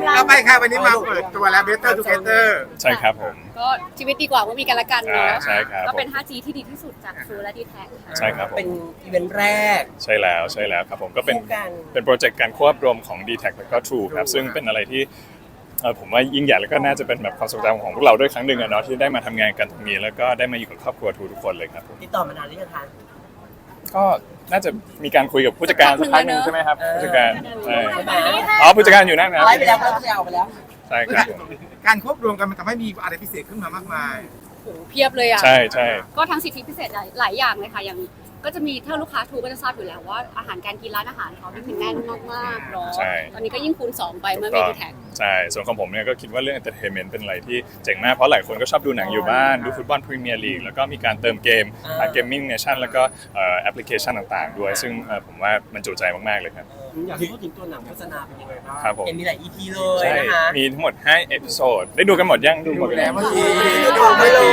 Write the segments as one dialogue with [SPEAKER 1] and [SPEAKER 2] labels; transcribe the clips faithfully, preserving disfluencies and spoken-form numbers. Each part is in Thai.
[SPEAKER 1] เอาไปค่ะวันนี้มาเปิดตัวแล้ว Better Together
[SPEAKER 2] ใช่ครับผม
[SPEAKER 3] ก็ชีวิตดีกว่าเมื่อมีกันและกันเนาะ
[SPEAKER 2] อ่าใช่ครับ
[SPEAKER 3] ก็เป็น ไฟว์จี ที่ดีที่สุดจาก True และ ดี แท็ก ค่ะ
[SPEAKER 2] ใช่ครับผม
[SPEAKER 4] เป็นอีเวนต์แรก
[SPEAKER 2] ใช่แล้วใช่แล้วครับผมก็เป็น
[SPEAKER 4] คู่กัน
[SPEAKER 2] เป็นโปรเจกต์การควบรวมของ ดี แท็ก แล้วก็ True ครับซึ่งเป็นอะไรที่เอ่อผมว่ายิ่งใหญ่แล้วก็น่าจะเป็นแบบความทรงจำของพวกเราด้วยครั้งหนึ่งอะเนาะที่ได้มาทำงานกันตรงนี้แล้วก็ได้มาอยู่กับครอบครัว True ทุกคนเลยครับผม
[SPEAKER 4] ติดต่อมานานหรือยังคะ
[SPEAKER 2] ก็น่าจะมีการคุยกับผู้จัดการสักพักหนึ่งใช่ไหมครับ
[SPEAKER 4] เออ
[SPEAKER 2] ผู้จัดการใช่
[SPEAKER 4] ใช่ไหม
[SPEAKER 2] อ๋อผู้จัดการอยู่นั่นครับ
[SPEAKER 4] ไล่ไปแล้วไล่ไปแล้วไปแล้ว
[SPEAKER 2] ใช่ครับผม
[SPEAKER 1] การควบรวมกันมันทำให้มีอะไรพิเศษขึ้นมามากมาย
[SPEAKER 3] โอ้โหเพียบเลยอ่ะ
[SPEAKER 2] ใช่ใช่
[SPEAKER 3] ก็ทั้งสิทธิพิเศษหลายหลายอย่างเลยค่ะ อย่างก็จะมีถ้าลูกค้าทูก็จะทราบอยู่แล้วว่าอาหารการกินร้านอาหารเขาที่คือแน่นมากๆเนาะ
[SPEAKER 2] ใช่
[SPEAKER 3] ตอนนี้ก็ยิ่งคูณสองไปเมื่อมี
[SPEAKER 2] ก็
[SPEAKER 3] ดีแท็ก
[SPEAKER 2] ใช่ส่วนของผมเนี่ยก็คิดว่าเรื่อง entertainment เป็นอะไรที่เจ๋งมากเพราะหลายคนก็ชอบดูหนังอยู่บ้านดูฟุตบอลพรีเมียร์ลีกแล้วก็มีการเติมเกม
[SPEAKER 4] อ่า
[SPEAKER 2] เกมมิ่งเนชั่นแล้วก็เอ่อแอปพลิเคชันต่างๆ ด้วย ซึ่งเอ่อผมว่ามันจุใจมากๆเลยครับ
[SPEAKER 5] อยากให้พูดถึงตัวหนังโฆษณาเป็นยังไงบ้าง
[SPEAKER 2] ครับผม
[SPEAKER 4] เห็นมีหลาย อี พี เลย
[SPEAKER 2] ใช่
[SPEAKER 4] นะคะ
[SPEAKER 2] มีทั้งหมดห้าเอพิโซดได้ดูกันหมดยังดูหมด
[SPEAKER 1] ดู
[SPEAKER 2] แล้
[SPEAKER 1] แล้ว วเมื่อกี้
[SPEAKER 4] ดูไปเลย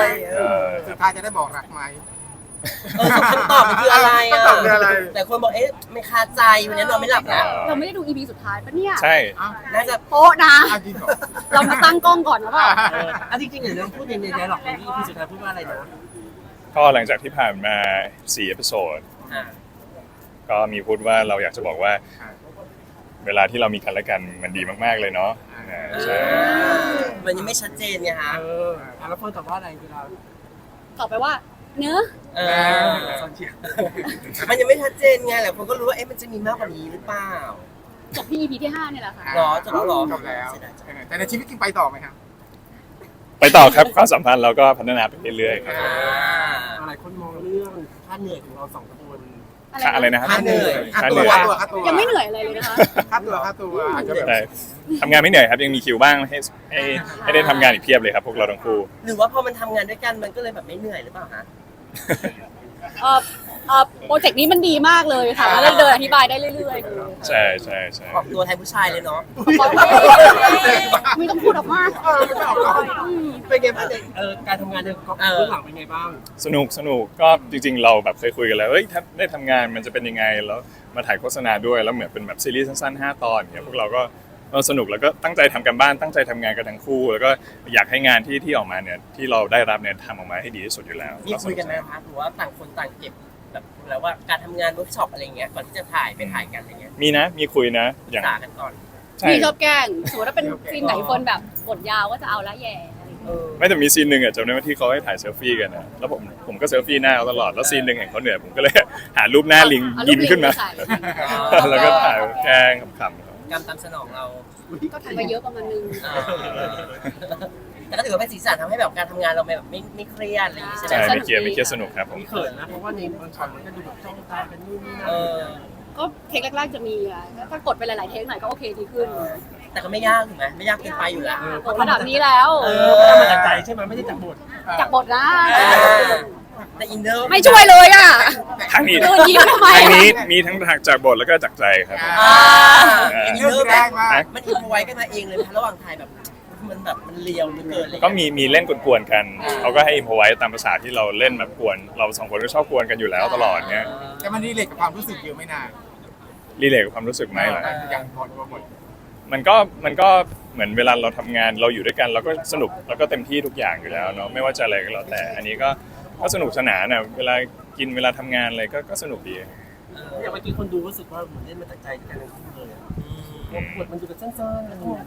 [SPEAKER 2] เออ
[SPEAKER 1] สุดท้ายจะได้บอกรักไหม
[SPEAKER 4] เออคำตอบมันคืออะไรอ่ะ
[SPEAKER 1] คำตอบคืออะไร
[SPEAKER 4] แต่คนบอกเอ๊ะไม่คาใจวันนี้นอนไม่หลับแล้ว
[SPEAKER 3] เราไม่ได้ดู อี พี สุดท้ายปะเนี่ย
[SPEAKER 2] ใช่
[SPEAKER 1] อ้าว
[SPEAKER 4] น่าจะ
[SPEAKER 3] โป๊ะนะ
[SPEAKER 1] อ้าวจริงเหรอ
[SPEAKER 3] เรามาตั้งกล้องก่อนนะว่า
[SPEAKER 5] เอออ่ะจริงๆเดี๋ยวเราพูดในในไดร็อกของที่พี่สุดท้ายพูดว่าอะไรนะ
[SPEAKER 2] ก็หลังจากที่ผ่านมาสี่เอพิโซด
[SPEAKER 4] อ่า
[SPEAKER 2] ก็มีพูดว่าเราอยากจะบอกว่า เวลาที่เรามีกันและกันมันดีมากๆเลยเนาะอ่าใช่
[SPEAKER 4] มันยังไม่ชัดเจนไงฮะ
[SPEAKER 5] เอออ่ะแล้วเฟิร์นตอบว่าอะไรเวลา
[SPEAKER 3] ตอบไปว่า เนื้อะ
[SPEAKER 4] เอ
[SPEAKER 1] เอ
[SPEAKER 4] อ
[SPEAKER 1] อ
[SPEAKER 5] ตอนเชียร์
[SPEAKER 4] มันยังไม่ชัดเจนไงหลายคนก็รู้ว่าเอ๊ะมันจะมีมากกว่านี้หรือเปล่า
[SPEAKER 3] จบที่ อี พี ที่ห้าเนี่ยแหละค่ะ
[SPEAKER 4] หรอจบแล้วหรอ
[SPEAKER 1] จบแล้ว
[SPEAKER 4] เสียดายจัง
[SPEAKER 1] แต่ในชีวิตจริงไปต่อไหมครับ
[SPEAKER 2] ไปต่อครับความสัมพันธ์เราก็พัฒนาไปเรื่อยๆครับ
[SPEAKER 4] อ่า
[SPEAKER 5] หลายคนมองเรื่องค่าเหนื่อยของเราสองคน
[SPEAKER 2] ค่าอะไรนะครับ
[SPEAKER 4] ค่าเหนื่อย
[SPEAKER 1] ค่า
[SPEAKER 2] ค่า
[SPEAKER 1] ตั
[SPEAKER 2] เห
[SPEAKER 1] ว
[SPEAKER 2] นื่อย
[SPEAKER 1] ค่าตัวค่าตัว
[SPEAKER 3] ยังไม่เหนื่อยอะไรเลยนะคะ
[SPEAKER 1] ค่าตัวค่าตัวอาจจะแบบ
[SPEAKER 2] ใช่ทำงานไม่เหนื่อยครับยังมีคิวบ้างให้ให้ให้ได้ทำงานอีกเพียบเลยครับพวกเราทั้งคู่
[SPEAKER 4] หรือว่าพอมันทำงานด้วยกันมันก็เลยแบบไม่เหนื่อยหรือเปล่าฮะ
[SPEAKER 3] เอ่อเอ่อโปรเจกต์นี้มันดีมากเลยค่ะแล้วเดินอธิบายได้เรื่อยๆเลย
[SPEAKER 2] ใช่ใช่ใช่
[SPEAKER 4] ออกตัวแทนผู้ชายเลยเนาะ
[SPEAKER 3] ไม่ต้องพูดออกมา
[SPEAKER 1] เออไม่ออกก่อน
[SPEAKER 3] อืม
[SPEAKER 4] เป็นไงบ้างเนี่ย
[SPEAKER 5] เออการทำงานในกอง
[SPEAKER 4] เออ
[SPEAKER 5] เบื้องหลังเป็นไงบ้าง
[SPEAKER 2] สนุกสนุกก็จริงๆเราแบบเคยคุยกันแล้วเฮ้ยถ้าได้ทำงานมันจะเป็นยังไงแล้วมาถ่ายโฆษณาด้วยแล้วเหมือนเป็นแบบซีรีส์สั้นๆห้าตอนเนี่ยพวกเราก็เออสนุกแล้วก็ตั้งใจทำกันบ้านตั้งใจทำงานกันทั้งคู่ แล้วก็อยากให้งานที่ที่ออกมาเนี่ยที่เราได้รับเนี่ยทำออกมาให้ดีที่สุดอยู่แล้ว
[SPEAKER 4] มีคุยกันไหมคะหรือว่าต่างคนต่างเก็บแบบแล้วว่าการทำงานเวิร์กช็อปอะไรเงี้ยก่อนที่จะถ่ายไปถ่ายกันอะไรเงี้ย
[SPEAKER 2] มีนะมีคุยนะอย่าง
[SPEAKER 4] ศึกษากันก่อน
[SPEAKER 2] ใช่
[SPEAKER 3] พี่ชอบแกล้งสมมติว่าเป็นซีนไหนคนแบบบทยาวก็จะเอาละแย่อะไรอย่าง
[SPEAKER 4] เอ
[SPEAKER 3] เงี้ย
[SPEAKER 4] อ
[SPEAKER 2] ไม่แต่มีซีนหนึ่งอ่ะจำได้ว่าที่เขาให้ถ่ายเซลฟี่กันนะแล้วผมผมก็เซลฟี่หน้าเขาตลอดแล้วซีนหนึ่งเห็นเขาเหนื่อยผมก็เลย หารูปหน้าลิง
[SPEAKER 3] เอารู
[SPEAKER 2] ยิ้
[SPEAKER 3] ป
[SPEAKER 2] ม
[SPEAKER 3] ลิง
[SPEAKER 2] ขึ้นมา
[SPEAKER 3] ไปใส่
[SPEAKER 2] แล้วก็ถ่ายแกล้งขำๆครับ
[SPEAKER 4] การตามสนองเรา
[SPEAKER 3] ก็ทำไปเยอะประมาณนึง
[SPEAKER 4] เออแต่ก็ถือว่าเป็นสีสันทำให้แบบการทำงานเราแบบไม่ไม่เครียดอะไรอย่างงี้ใช่ไหม
[SPEAKER 2] ใช่ไม่เครียดไม่เครียดสนุกครับผม
[SPEAKER 5] มีเขินนะเพราะว่าในบางช็อตมันก็ดูแบบจ้องตากันนู่นนี่นั่น
[SPEAKER 4] เออ
[SPEAKER 3] ก็เทคแรกๆจะมีอะถ้ากดไปหลายๆเทคหน่อยก็โอเคดีขึ้น
[SPEAKER 4] แต่ก็ไม่ยากถูกไหมไม่ยากเกินไปอยู่แล้ว
[SPEAKER 3] กดระดับนี้แล้ว
[SPEAKER 4] เอ
[SPEAKER 5] ทำมาจากใจใช่ไหมไม่ได้จากบท
[SPEAKER 3] จากบทนะ
[SPEAKER 4] แต่อินเนอร์
[SPEAKER 3] ไม่ช่วยเลยอ่ะ
[SPEAKER 2] ทางนี้
[SPEAKER 3] เดินยิ้มทำไม
[SPEAKER 2] ทาง
[SPEAKER 3] อะ
[SPEAKER 2] นี้มีทั้งจากบทแล้วก็จากใจครับ
[SPEAKER 4] อ่า
[SPEAKER 1] อิ
[SPEAKER 4] อิ
[SPEAKER 1] น
[SPEAKER 4] น
[SPEAKER 1] เน
[SPEAKER 4] เน
[SPEAKER 1] อ
[SPEAKER 4] อ
[SPEAKER 1] ร์
[SPEAKER 4] ร์
[SPEAKER 1] แร
[SPEAKER 4] แบบ
[SPEAKER 1] งมาก
[SPEAKER 4] มันอินพอไว้กันมาเองเลยไหมคะระหว่างถ่ายแบบมันแบบมันเลียวเหลือเกินเลย
[SPEAKER 2] ก็มีมีเล่นกวนๆกันเขาก็ให้อิมพอไว้ตามภาษาที่เราเล่นแบบกวน เราสองคนก็ชอบกวนกันอยู่แล้วตลอดเนี้ย
[SPEAKER 1] แต่มันรีเลทกับความรู้สึกเยอะไม่นาน
[SPEAKER 2] รีเลทกับความรู้สึกไหมเหรอ
[SPEAKER 1] อย่างก่อนตัวหมด
[SPEAKER 2] มันก็มันก็เหมือนเวลาเราทำงานเราอยู่ด้วยกันเราก็สนุกแล้วก็เต็มที่ทุกอย่างอยู่แล้วเนาะไม่ว่าจะอะไรก็แล้วแต่ อันนี้ก็ก็สนุกสนานอ่ะเวลากินเวลาทำงานอะไรก็ก็สนุกดี
[SPEAKER 5] อย่างเมื่อกี้คนดูรู้สึกว่าเหมือนเล่นมาจากใจกันทั้งคู่เลยอะบทมันดูแบบสั้นๆอะไรอย่างเงี้ย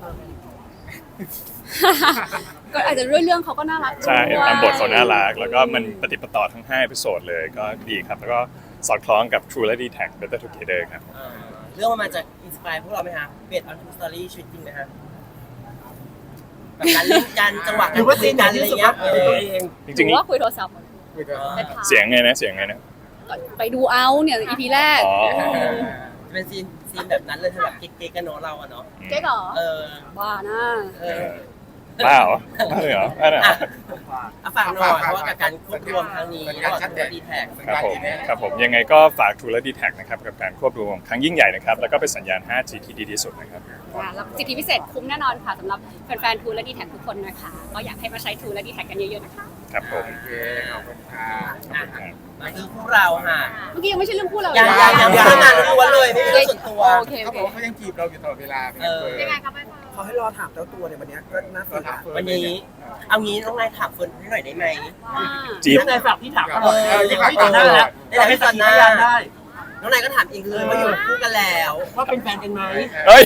[SPEAKER 3] ก็อาจจะด้วยเรื่องเขาก็น่ารัก
[SPEAKER 2] ใช่
[SPEAKER 3] ด้วย
[SPEAKER 2] ตามบทเขาน่ารักแล้วก็มันปฏิปต่อทั้งห้าเอพิโซดเลยก็ดีครับ แล้วก็สอดคล้องกับ True และ ดี แท็ก Better Together ครับ
[SPEAKER 4] เออเรื่องมันมาจากอินสปายพวกเราไหมคะเบสออนทูสตอรี่ชีวิตจริงไหมคะแบบการเล่นกันจังหวะ
[SPEAKER 5] ห
[SPEAKER 4] กา
[SPEAKER 5] รื
[SPEAKER 4] ร
[SPEAKER 5] อว่า
[SPEAKER 4] คุ
[SPEAKER 5] ซี
[SPEAKER 4] ย
[SPEAKER 5] นไหน
[SPEAKER 4] กัน
[SPEAKER 5] ที่
[SPEAKER 4] อะไร
[SPEAKER 5] รู้สึก
[SPEAKER 4] เงี้
[SPEAKER 5] ว่าย เป็นตัวเอง
[SPEAKER 2] จ
[SPEAKER 3] ห
[SPEAKER 2] ริง
[SPEAKER 3] รือว่าคุยโทรศัพท์
[SPEAKER 1] คุยกัน
[SPEAKER 4] เออ
[SPEAKER 2] ๆ เสียงไงนะเสียงไงนะ
[SPEAKER 3] ไปดูเอาเนี่ย อี พี แรก
[SPEAKER 2] อ๋อ
[SPEAKER 4] จะเป็นซีนซีนแบบนั้นเลยคือแบบเก๊กๆกันเนาะเราอะเนาะ
[SPEAKER 3] เจ๊เหรอ
[SPEAKER 4] เออ
[SPEAKER 3] บ้านะ
[SPEAKER 4] เออ
[SPEAKER 2] บ้าเหรอบ้าเลยเหรอบ้าเหรอ
[SPEAKER 4] อ่ะอ่ะฝากหน่อยเพราะว่ากับการควบรวมครั้งนี้ระหว่างตัวดีแท็ก
[SPEAKER 2] ครับผมครับผมยังไงก็ฝาก True และ ดี แท็ก นะครับกับการควบรวมครั้งยิ่งใหญ่นะครับแล้วก็เป็นสัญญาณ ไฟว์จี ที่ดีที่สุดนะครับ
[SPEAKER 3] ค่ะแล้วสิทธิพิเศษคุ้มแน่นอนค่ะสำหรับแฟนๆ True และ ดี แท็ก ทุกคนนะคะ ก็อยากให้มาใช้ True และ ดี แท็ก กันเยอะๆนะคะ
[SPEAKER 2] ครับผม
[SPEAKER 1] โอเคขอบคุณค่ะ
[SPEAKER 4] อ่ะมาคือพวกเราค่ะ
[SPEAKER 3] เมื่อกี้ยังไม่ใช่เรื่องพูดเรา
[SPEAKER 4] ยัง
[SPEAKER 3] เล
[SPEAKER 4] ยังยังเรื่องงานล้วนเลยไม่ใช่เรื่องส่วนตัว
[SPEAKER 3] โอเคโอ
[SPEAKER 1] เขา
[SPEAKER 3] เค
[SPEAKER 1] บอกว่าเขายังจีบเราอยู่ตลอดเวลาเป็นไง
[SPEAKER 4] เออ
[SPEAKER 1] เฟิร์น
[SPEAKER 3] ยังไงครับไปเฟิร์น
[SPEAKER 6] เขาให้รอถามเจ้าตัวในวันเนี้ยก็น่าสนใจ
[SPEAKER 4] วันนี้เอางี้น้องนายถามเฟิร์นให้หน่อยได้ไหม
[SPEAKER 3] ว่า
[SPEAKER 2] จีบ
[SPEAKER 5] น้องนายฝากพี่ถามตล
[SPEAKER 4] เอ
[SPEAKER 5] อด
[SPEAKER 4] อ
[SPEAKER 5] ที่เขาตอนหน้าแล้ว
[SPEAKER 4] ได้ให้สัญญา
[SPEAKER 5] พยานได้
[SPEAKER 4] น้องนายก็ถามเองเลยว่าอยู่คู่กันแล้ว
[SPEAKER 5] ว่าเป็นแฟนกันไหม
[SPEAKER 2] เฮ้ย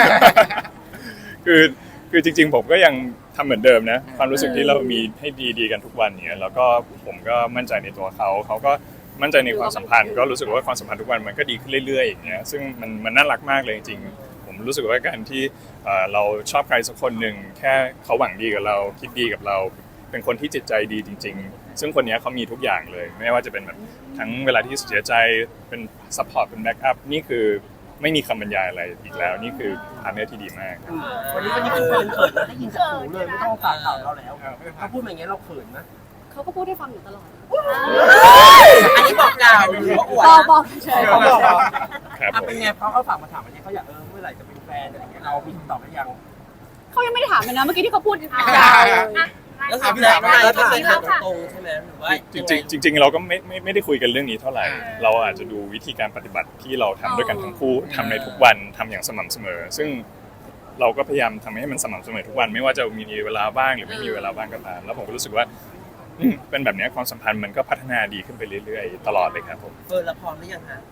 [SPEAKER 2] คือคือจริงๆผมก็ยังทำเหมือนเดิมนะความรู้สึกที่เรามีให้ดีๆกันทุกวันเนี่ยแล้วก็ผมก็มั่นใจในตัวเขาเขาก็มั่นใจในความสัมพันธ์ก็รู้สึกว่าความสัมพันธ์ทุกวันมันก็ดีขึ้นเรื่อยๆอย่างเงี้ยซึ่งมันมันน่ารักมากเลยจริงๆผมรู้สึกว่าการที่เอ่อเราชอบใครสักคนหนึ่งแค่เขาหวังดีกับเราคิดดีกับเรา เป็นคนที่จิตใจดีจริง ๆ ซึ่งคนนี้เขามีทุกอย่างเลย ไม่ว่าจะเป็นแบบทั้งเวลาที่เสียใจเป็นซัพพอร์ตเป็นแบ็กอัพนี่คือไม่มีคำบรรยายอะไรอีกแล้วนี่คือพาร์ทเนอร์ที่ดีมาก
[SPEAKER 5] วันนี้วันนี้คือเฟิร์นเขินนะได้ยินจากหูเลยไม่ต้องฝากข่าวเราแล้วถ้าพูดมาอย่างเงี้ยเราเขินนะ
[SPEAKER 3] เขาก็พูดให้ฟังอยู่ตลอด
[SPEAKER 4] อันนี้บอกกล่าวหรือว่าอวด
[SPEAKER 3] บอก
[SPEAKER 4] นะ
[SPEAKER 3] บอกเฉย
[SPEAKER 5] เขาบอก
[SPEAKER 2] ครับ
[SPEAKER 5] อ่ะ
[SPEAKER 2] ผม
[SPEAKER 5] เป็นไงเพราะเขาฝากมาถามวันนี้เขาอยากเออเมื่อไหร่จะเป็นแฟนอะไรอย่างเงี้ยเรามีคำตอบหรือยัง
[SPEAKER 3] เขายังไม่ได้ถามเลยนะเมื่อกี้ที่เขาพูดยาวเลย
[SPEAKER 4] ก็คือน้องนายก็เคยถามตรงๆใช่ไหมหรือว่า
[SPEAKER 2] จริงๆจริงๆเราก็ไม่ไม่ไม่ได้คุยกันเรื่องนี้เท่าไหร่ เราอาจจะดูวิธีการปฏิบัติที่เราทำด้วยกันทั้งคู่ทำในทุกวันทำอย่างสม่ำเสมอ ซึ่งเราก็พยายามทำให้มันสม่ำเสมอทุกวัน ไม่ว่าจะมีเวลาบ้างหรือไม่มีเวลาบ้างก็ตามแล้วผมก็รู้สึกว่าอืมเป็นแบบนี้ความสัมพันธ์มันก็พัฒนาดีขึ้นไปเรื่อยๆตลอดเลยครับผม
[SPEAKER 4] เฟิร์นละพร้อมหรือยังฮะ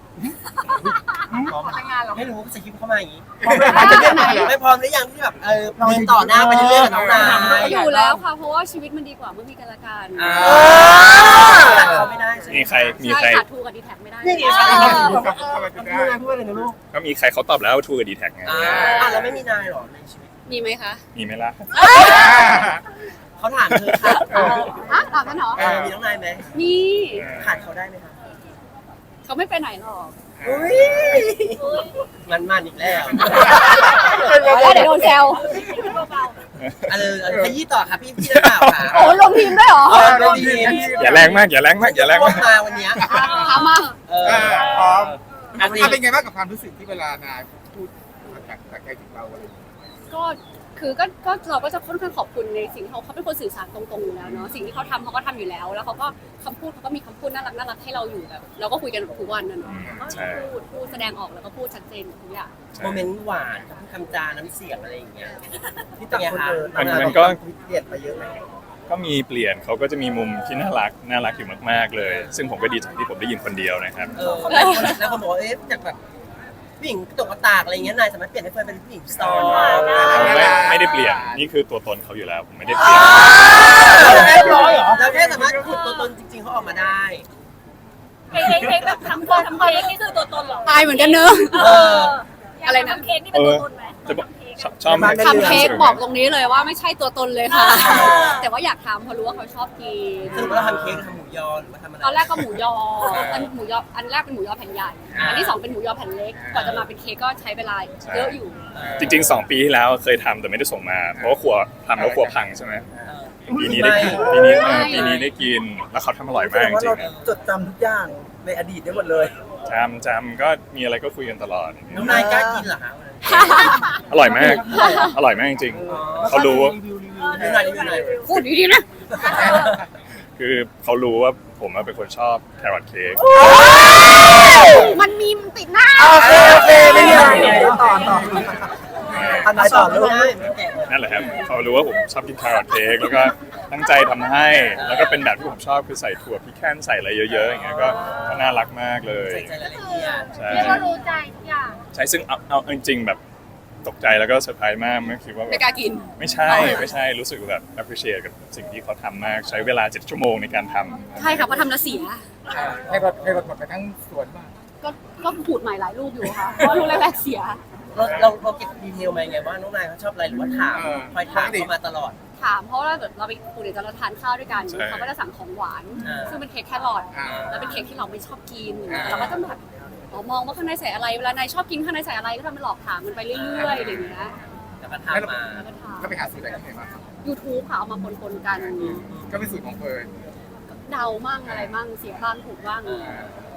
[SPEAKER 4] ไม่รู้ว่าจะคิดเข้ามาอย่างนี้
[SPEAKER 5] พร้อมไหมพร้อมจะเรียกไหน
[SPEAKER 4] ไม่พร้อมหรือยังที่แบบเออเดินต่อหน้าไปเรื่อยๆกับน้องนาย
[SPEAKER 3] อยู่แล้วค่ะ เพราะว่าชีวิตมันดีกว่าเมื่อมีกันและกัน
[SPEAKER 4] อ่าเขาไม่ได้ใช่ไหม
[SPEAKER 2] มีใครมีใคร
[SPEAKER 3] ใช่ขาดทูกับดีแท็กไม่ได้
[SPEAKER 5] นี่ไง
[SPEAKER 3] เอ
[SPEAKER 5] เขา
[SPEAKER 3] อ
[SPEAKER 5] พูดอะไรพูดอะไรนะลูก
[SPEAKER 2] ก็มีใครเขาตอบแล้วทูกับดีแท็กไง
[SPEAKER 4] อ่าอ่ะแล้วไม่มีนายหรอในชีวิต
[SPEAKER 3] มีไหมคะ
[SPEAKER 2] มีไหมล่ะ
[SPEAKER 4] เขาถามเธอค่ะ
[SPEAKER 3] ฮะตอบกันเหรอ
[SPEAKER 4] เออมีน้องนายไหม
[SPEAKER 3] มี
[SPEAKER 4] ขาดเขาได้ไหมคะ
[SPEAKER 3] เขาไม่ไปไหนหรอก
[SPEAKER 4] อุ้ยมันมันอีกแล้ว
[SPEAKER 3] แล้วเดี๋ยวโดนแซว
[SPEAKER 4] เออเออขยี้ต่อค่ะพี่พี่นักข่าวค่ะ
[SPEAKER 3] โอ้ลงทีมด้วยเหรอ
[SPEAKER 4] เออลงทีม
[SPEAKER 2] อย่าแรงมากอย่าแรงมากอย่าแรง
[SPEAKER 4] พว
[SPEAKER 2] มาก ก
[SPEAKER 4] มาวันเนี้ย
[SPEAKER 3] ถามมา
[SPEAKER 4] เออ
[SPEAKER 1] เออพร้อม
[SPEAKER 4] อ่ะสิ
[SPEAKER 1] อ่ะเป็นไงบ้างกับความรู้สึกที่เวลานายพูดจากจากใจถึงเราอะไรอย่างเงี้ย
[SPEAKER 3] ก็คือก็ก็เราก็จะค่อนข้างขอบคุณในสิ่งที่เขาเขาเป็นคนสื่อสารตรงๆอยู่แล้วเนาะสิ่งที่เขาทำเขาก็ทำอยู่แล้ว แล้วเขาก็คำพูดเขาก็มีคำพูดน่ารักน่ารักให้เราอยู่แบบเราก็คุยกันแบบทุกวันนะเนาะก็
[SPEAKER 2] ใช่
[SPEAKER 3] พูดพูดแสดงออกแล้วก็พูดชัดเจนทุกอย่าง
[SPEAKER 4] โมเมนต์หวานกับคำจาน้ำเสียงอะไรอย่างเงี้ย
[SPEAKER 6] ที่ต่างคนเจอ
[SPEAKER 2] มันมันก็
[SPEAKER 6] เปลี่ยนไปเยอะไหม
[SPEAKER 2] ก็มีเปลี่ยนเขาก็จะมีมุมที่น่ารักน่ารักอยู่มากๆเลย ซึ่งผมก็ดีใจที่ผมได้ยินคนเดียวนะครับ
[SPEAKER 4] เออแล้วคนแล้วคนบอกว่าเอ๊ะจากแบบผู้หญิงตกกระตากอะไรอย่างเงี้ยนายสามารถเปลี่ยนให้เฟิร์นเป็นผู้หญิงสตรอง
[SPEAKER 2] ไม่ไม่ได้เปลี่ยนนี่คือตัวตนเขาอยู่แล้วผมไม่ได้เปลี่ยน
[SPEAKER 4] เรียบร้อยเหรอเราแค่สามารถขุดตัวตนจริงๆเขาออกมาได้
[SPEAKER 7] เค้กเค้กแบบทำตัวทำเค้กนี่คือตัวตนเหรอ
[SPEAKER 3] ตายเหมือนกันเนอะ
[SPEAKER 4] เออ
[SPEAKER 3] อะไรนะ
[SPEAKER 7] ทำเค้กนี่เป็นตัวตนไหม
[SPEAKER 2] จะบอกชอบชอบ
[SPEAKER 3] ทำเค้กบอกตรงนี้เลยว่าไม่ใช่ตัวตนเลยค่ะ แต่ว่าอยากทำเพราะรู้ว่าเขาชอบกิน
[SPEAKER 4] สรุปว่าเราทำเค้กหรือทำหมูยอหรือว่าทำอะไร
[SPEAKER 3] ตอนแรกก็หมูยออันหมูยออันแรกเป็นหมูยอแผ่นใหญ่อันที่สองเป็นหมูยอแผ่นเล็กกว่าจะมาเป็นเค้กก็ใช้เวลาเยอะอยู่
[SPEAKER 2] จริงๆสองปีที่แล้วเคยทำแต่ไม่ได้ส่งมา เพราะว่าครัวทำแล้วครัวพังใช่ไหมปีนี้ได้กินปีนี้เออปีนี้ได้กินแล้วเขาทำอร่อยมากจ
[SPEAKER 6] ว่า
[SPEAKER 2] ริ
[SPEAKER 6] เรา
[SPEAKER 2] งๆนะ
[SPEAKER 6] จดจำทุกอย่างในอดีตได้หมดเลย
[SPEAKER 2] จำจำก็มีอะไรก็คุยกันตลอด
[SPEAKER 4] น้องนายกล้ากินเหรอคะ
[SPEAKER 2] อร่อยมาก อร่อยมากจริงๆเขารู้ว่า
[SPEAKER 4] รีวิวรีวิวหน่อยรีวิวหน่อย
[SPEAKER 3] พูดดีๆนะ
[SPEAKER 2] คือเขารู้ว่าผมเป็นคนชอบแครอทเค้ก
[SPEAKER 3] มันมีมันติดหน้า
[SPEAKER 6] โอเคโอเคไม่มีอะไรต่อต่ออันไหนต่อลูก
[SPEAKER 2] นั่นแหละครับเขารู้ว่าผมชอบกินแครอทเค้กแล้วก็ตั้งใจทำให้ แล้วก็เป็นแบบที่ผมชอบคือใส่ถั่วพิแคนใส่อะไรเยอะๆอย่างเงี้ยก็ก็น่ารักมากเลย
[SPEAKER 4] ใส่ใจรายละเอียด
[SPEAKER 2] ใช่
[SPEAKER 7] เรียกว่ารู้ใจทุกอย่าง
[SPEAKER 2] ใช่ซึ่งเอาเอาจริงๆแบบตกใจแล้วก็เซอร์ไพรส์มากไม่คิดว่าแบ
[SPEAKER 3] ไม่
[SPEAKER 2] บ
[SPEAKER 3] กล้ากิน
[SPEAKER 2] ไม่ใช่ไม่ใช่รู้สึกแบบ appreciate กับสิ่งที่เขาทำมากใช้เวลาเจ็ดชั่วโมงในการทำ
[SPEAKER 3] ใช่ค่ะเพราะทำแล้วเสีย
[SPEAKER 1] ให้รถให้รถหมดไปทั้งสวนบ้าง
[SPEAKER 3] ก็ก็ขูดใหม่หลายลูกอยู่ค่ะ เพราะลูกแรกๆเสีย
[SPEAKER 4] เราเราเราเก็บดีเทลมาไงว่าน้องนายเขาชอบอะไรหรือว่าถามคอยถามเขามาตลอด
[SPEAKER 3] ถามเพราะว่าแบบเราไปปูเดี๋ยวเราทานข้าวด้วยกัน
[SPEAKER 2] ใช่
[SPEAKER 3] เขาก็จะสั่งของหวาน
[SPEAKER 4] อ่า
[SPEAKER 3] ซึ่งเป็นเค้กแครอท
[SPEAKER 1] อ่า
[SPEAKER 3] แล้วเป็นเค้กที่เราไม่ชอบกิน
[SPEAKER 4] อ่า
[SPEAKER 3] เราก็ต้องแบบอ๋อมองว่าข้างในใส่อะไรเวลานายชอบกินข้างในใส่อะไรก็ทำเป็นหลอกถามมันไปเรื่อยๆอย่างเงี้ย
[SPEAKER 4] แต่ก็ถามมา
[SPEAKER 3] แล้วก็ถาม
[SPEAKER 1] ก็ไปหาสูตรอะไรที่ไหนมาครับ
[SPEAKER 3] YouTube ค่ะเอามาปนๆกัน
[SPEAKER 1] ก็เป็นสูตรของเฟิร์น
[SPEAKER 3] เดามั่งอะไรมั่งเสียบ้างถูกบ้าง
[SPEAKER 1] อ่า